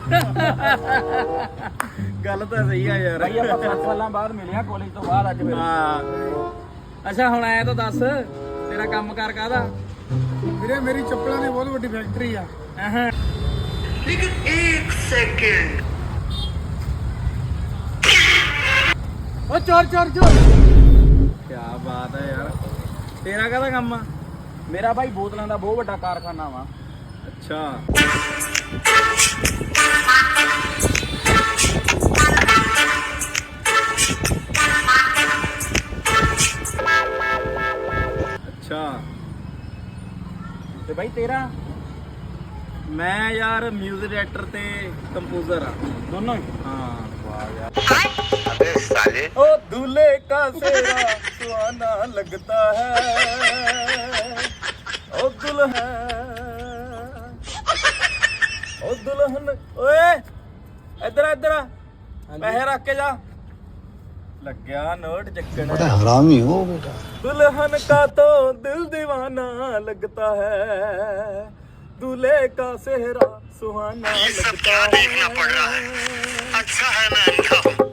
ਗੱਲ ਤਾਂ ਸਹੀ ਆ ਯਾਰ ਭਾਈ ਆਪਾਂ 7 ਸਾਲਾਂ ਬਾਅਦ ਮਿਲਿਆ ਕਾਲਜ ਤੋਂ ਬਾਅਦ ਅੱਜ ਫਿਰ। ਹਾਂ ਅੱਛਾ ਹੁਣ ਐ ਤਾਂ ਦੱਸ ਤੇਰਾ ਕੰਮ ਕਾਰ ਕਾਹਦਾ? ਵੀਰੇ ਮੇਰੀ ਚੱਪਲਾਂ ਦੀ ਬਹੁਤ ਵੱਡੀ ਫੈਕਟਰੀ ਆ। लेकिन एक सेकंड ਓ ਚੋਰ ਚੋਰ ਚੋਰ। ਕੀ ਬਾਤ ਹੈ ਯਾਰ। ਤੇਰਾ ਕਾਹਦਾ ਕੰਮ ਆ? ਮੇਰਾ ਭਾਈ ਬੋਤਲਾਂ ਦਾ ਬਹੁਤ ਵੱਡਾ ਕਾਰਖਾਨਾ ਵਾ। ਅੱਛਾ ਅੱਛਾ ਤੇ ਭਾਈ ਤੇਰਾ? ਮੈਂ ਯਾਰ ਮਿਊਜ਼ਿਕ ਡਾਇਰੈਕਟਰ ਤੇ ਕੰਪੋਜ਼ਰ ਆ ਦੋਨੋਂ ਹੀ? ਹਾਂ ਵਾਹ ਯਾਰ। अबे साले ओ दूल्हे का सेहरा सुहाना लगता है ओ दुल्हन ओए इधर इधर पैसे रख के जा लग गया नोट चक्कन बड़ा हरामी हो बेटा। दुल्हन का तो दिल दीवाना लगता है दूल्हे का सेहरा सुहाना ये सब लगता क्या देखना पड़ रहा है? अच्छा है मैं अंधा हूँ।